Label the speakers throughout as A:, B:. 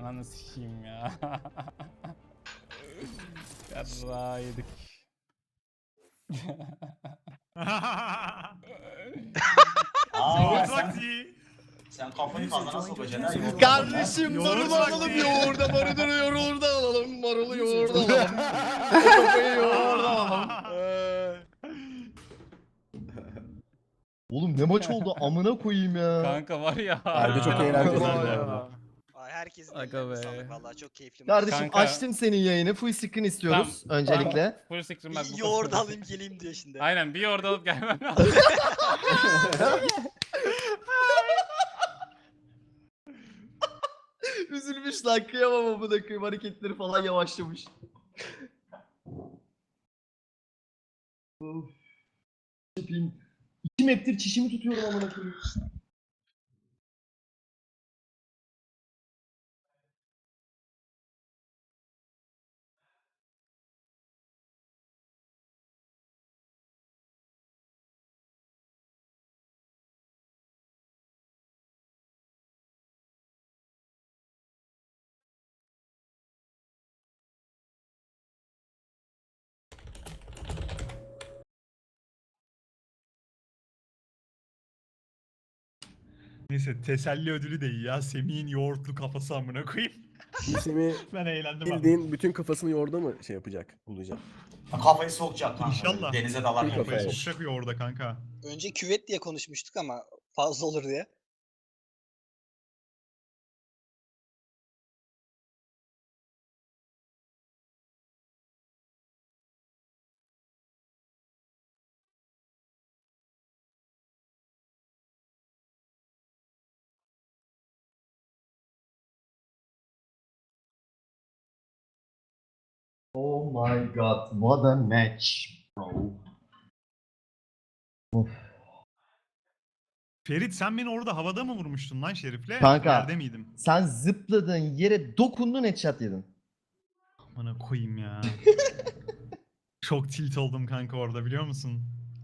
A: Ananı sikeyim ya. Yarra yedik.
B: Aa,
C: Vakti.
B: sen kafayı kazana sokacaksın ha.
D: Kardeşim
C: Yoğurt
D: marulu
C: vakti.
D: alalım yoğurda, marulu yoğurda alalım, marulu yoğurda alalım. O kafayı yoğurda alalım. Oğlum ne maç oldu amına koyayım ya.
A: Kanka var ya.
E: Harbi çok
C: Aa,
E: eğlenceli bu
D: vallahi
E: arada.
F: Ay, herkesin
A: Aga
F: ellerine
A: be.
F: sağlık vallahi çok keyifli.
D: Kardeşim
A: Kanka.
D: açtım senin yayını. Full screen istiyoruz öncelikle.
A: Full screen bak.
F: Bir yoğurt alayım geleyim diyor şimdi.
A: Aynen bir yoğurt alıp gelmem lazım.
D: Üzülmüş lan kıyamam amına koyayım, hareketleri falan yavaşlamış. Of. Yapayım. 2 map'tir çişimi tutuyorum amına koyayım.
C: Neyse teselli ödülü de iyi ya. Semih'in yoğurtlu kafası amına koyayım.
E: Semih
C: Ben eğlendim abi.
E: bildiğin bütün kafasını yoğurda mı şey yapacak, bulacak?
B: Kafayı sokacak kanka.
C: İnşallah.
B: Denize dalar
E: Bir
B: kafayı.
E: kafaya.
C: Kafayı sokacak yoğurda kanka.
F: Önce küvet diye konuşmuştuk ama fazla olur diye.
D: Oh my god, what a match bro.
C: Ferit sen beni orada havada mı vurmuştun lan Şerif'le?
D: Kanka.
C: Yerde miydim?
D: Sen zıpladın yere dokundun, headshot yedin.
C: Amına koyayım ya. Çok tilt oldum kanka orada biliyor musun?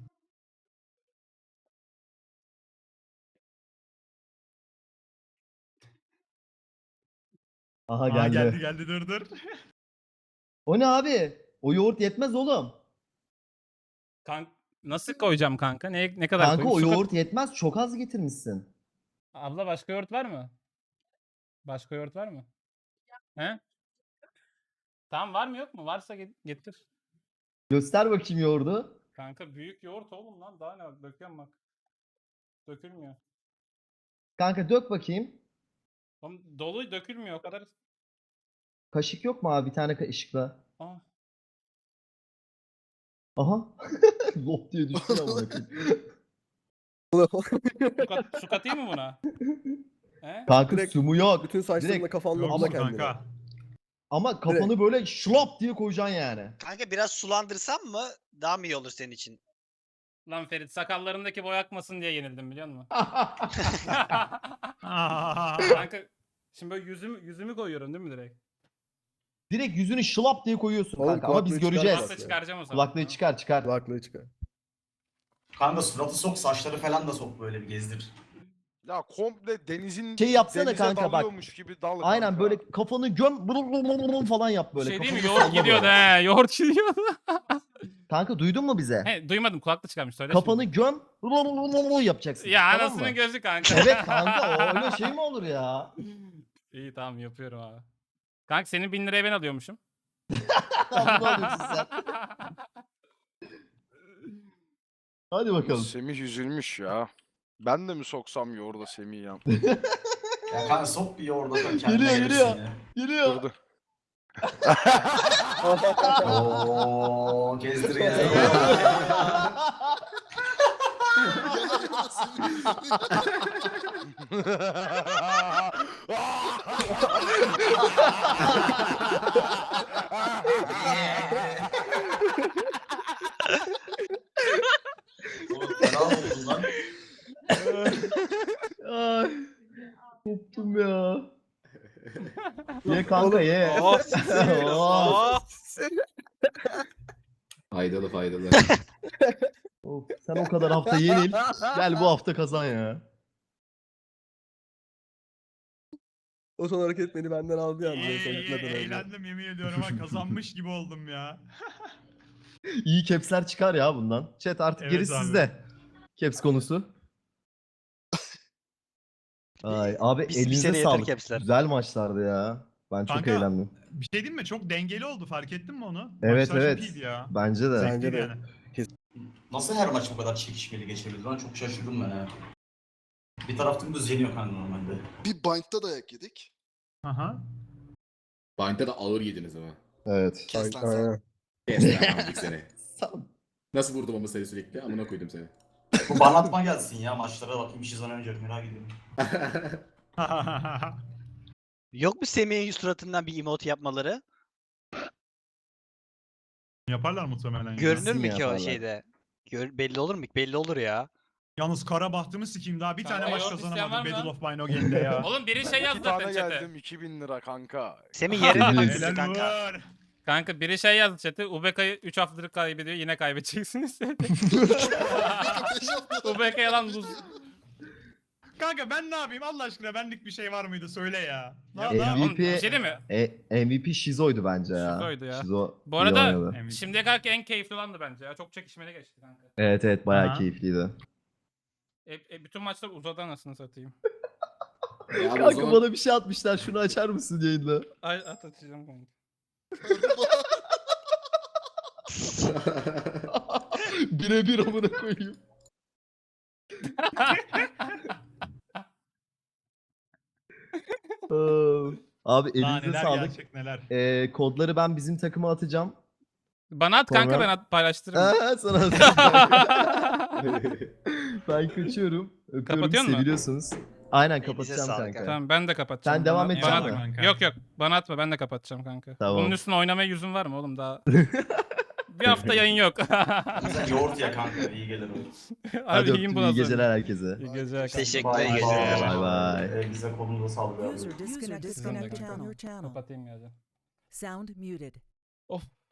D: Aha
C: Aa,
D: geldi.
C: geldi dur.
D: O ne abi? O yoğurt yetmez oğlum.
A: Kanka nasıl koyacağım kanka? Ne kadar
D: Kanka o
A: koyayım?
D: yoğurt yetmez, çok az getirmişsin.
A: Abla başka yoğurt var mı? Başka yoğurt var mı? He? Tamam var mı yok mu? Varsa getir.
D: Göster bakayım yoğurdu.
A: Kanka büyük yoğurt oğlum lan. Daha ne? Döküyorum bak. Dökülmüyor.
D: Kanka dök bakayım.
A: Oğlum dolu dökülmüyor o kadar.
D: Kaşık yok mu abi, bir tane kaşıkla?
A: Aa.
D: Aha. Lop diye düştü ya amına koyayım.
A: Su katayım mı buna? He?
D: Kanka
E: Direkt-
D: su mu yok.
E: Bütün saçlarını
D: Direkt-
E: kafanla
C: Yok
E: bula
C: mu
E: kendine.
C: kanka?
D: Ama kafanı böyle şlop diye koyacaksın yani.
F: Kanka biraz sulandırsam mı daha mı iyi olur senin için?
A: Lan Ferit sakallarındaki boy akmasın diye yenildim biliyor musun?
C: Aa.
A: Kanka şimdi böyle yüzümü koyuyorum değil mi direkt?
D: Direkt yüzünü şlop diye koyuyorsun
E: Oğlum,
D: kanka ama biz
E: kulaklığı
D: göreceğiz.
A: Kulaklığı çıkaracağım o zaman.
D: Kulaklığı çıkar çıkar.
E: Kulaklığı çıkar.
B: Kanka suratı sok, saçları falan da sok, böyle bir gezdir.
G: Ya komple denizin
D: Şey yapsana
G: denize
D: kanka bak.
G: dalıyormuş gibi dal
D: Aynen
G: kanka.
D: böyle kafanı göm falan yap böyle.
A: Şey değil mi?
D: Kafanı
A: Yoğurt
D: salla
A: gidiyordu
D: böyle.
A: he. Yoğurt gidiyordu.
D: Kanka duydun mu bize?
A: He duymadım kulaklık çıkarmış söyle
D: Kafanı
A: şimdi.
D: göm yapacaksın.
A: Ya
D: tamam
A: anasının
D: mı?
A: gözü kanka.
D: Evet kanka, öyle şey mi olur ya?
A: İyi tamam yapıyorum abi. Kanka senin 1000 liraya ben alıyormuşum.
D: Bunu alıyorsun sen. Hadi bakalım.
G: Semih üzülmüş ya. Ben de mi soksam yoğurda Semih ya?
B: Ya kanka sok bir yoğurda da kendine
D: Geliyor,
B: gelirsin
D: geliyor.
B: ya.
D: Geliyor.
G: Durdu.
B: Ooo gezdir gezdir. Oğlum fena oldun lan.
D: Ay. Koptum ya. Ye kanka ye.
F: Oh,
D: Oh.
H: Faydalı faydalı.
D: Of, sen o kadar hafta yenil. Gel bu hafta kazan ya.
E: O son hareket beni benden aldı yalnız en son
C: İyi,
E: gitmeden önce.
C: eğlendim yemin ediyorum ha, kazanmış gibi oldum ya.
D: İyi caps'ler çıkar ya bundan. Chat artık
C: Evet
D: gerisi
C: abi.
D: sizde. Caps konusu. Ay abi
F: Bir
D: elinize
F: sene yeter
D: sağlık.
F: caps'ler.
D: Güzel maçlardı ya. Ben çok
C: Kanka,
D: eğlendim.
C: Bir şey diyeyim mi? Çok dengeli oldu, fark ettin mi onu?
D: Evet
C: Maçlar
D: evet.
C: çok iyiydi ya.
D: Bence de.
E: Bence
C: Zevkliydi
E: de.
C: yani.
B: Nasıl her maç bu kadar çekişmeli geçebildi? Ben çok şaşırdım ben ha. Bir taraf dümdüz yeniyor kanka normalde.
H: Bir Bind'da dayak yedik.
C: Aha.
I: Bind'de de ağır yediniz ama.
D: Evet.
H: Kes lan sen.
E: Aynen.
I: Kes lan amcık seni.
D: Sağ-
I: Nasıl vurdum ama seni sürekli? Amına koydum seni.
B: Bu banlatma gelsin ya maçlara bakayım bir şey zannedecek merak ediyorum.
F: Yok mu Semih'in suratından bir emote yapmaları?
C: Yaparlar muhtemelen. ya.
F: Görünür
D: Kesin
F: mü ki o
D: yaparlar.
F: şeyde? Belli olur mu? Belli olur ya.
C: Yalnız kara bahtımı sikeyim, daha bir
A: Kanka,
C: tane maç
A: yoğurt isteyen var
C: kazanamadım
A: mı?
C: Battle of Bino Game'de ya.
A: Oğlum biri şey yazdı
G: 2 tane
A: zaten chat'e.
G: geldim 2000 lira kanka.
F: Semih yere de baktı
C: Helal
F: kanka.
C: vur.
A: Kanka biri şey yazdı chat'e. UBK'yı 3 haftadır kaybediyor yine kaybedeceksiniz. UBK'ya lan buz.
C: Kanka ben ne yapayım Allah aşkına, benlik bir şey var mıydı söyle ya.
A: Ya,
C: Ne-
A: oğlum,
D: MVP
A: bir şey değil mi?
D: MVP Şizo'ydu bence ya.
A: Şizo'ydu ya.
D: Şizo
A: Bu
D: iyi
A: arada
D: oynadı.
C: MVP.
A: şimdiye kadar en keyifli olandı bence ya. Çok çekişmeli geçti kanka.
D: Evet evet bayağı
C: Aha.
D: keyifliydi.
A: Bütün maçlar uzadı anasını satayım.
I: Ya abi o
D: Kanka
I: zaman
D: bana bir şey atmışlar, şunu açar mısın yayında?
A: Ay atacağım kanka.
D: Birebir amına koyayım. Abi
C: Daha
D: elinize
C: neler
D: sağlık.
C: gerçek neler.
D: Kodları ben bizim takıma atacağım.
A: Bana at kanka
D: Sonra-
A: ben paylaştırırım.
D: Sana atacağım. Ben kaçıyorum. Öpüyorum,
A: Kapatıyor musun?
D: seviliyorsunuz. Aynen
F: Elinize
D: kapatacağım
F: sağlık
D: kanka.
F: abi.
A: Tamam ben de kapatacağım.
D: Sen devam
A: Bana-
D: edeceksin
A: bana-
C: mi? Kanka.
A: Yok yok bana atma ben de kapatacağım kanka.
D: Tamam.
A: Bunun üstüne oynamaya yüzün var mı oğlum daha? Bir hafta yayın yok.
B: Sen yoğurt ya kanka iyi gelir o.
A: Abi
D: Hadi
A: yiyin
D: öptüm,
A: bunu
D: iyi
A: sonra.
D: geceler herkese.
A: İyi geceler kanka.
F: Teşekkürler.
B: Bye
F: iyi geceler.
D: Bye bye.
B: Elinize kolunuza sağlık abi.
J: User disconnected from your channel.
A: Kapatayım ya.
J: Sound muted.
A: Of.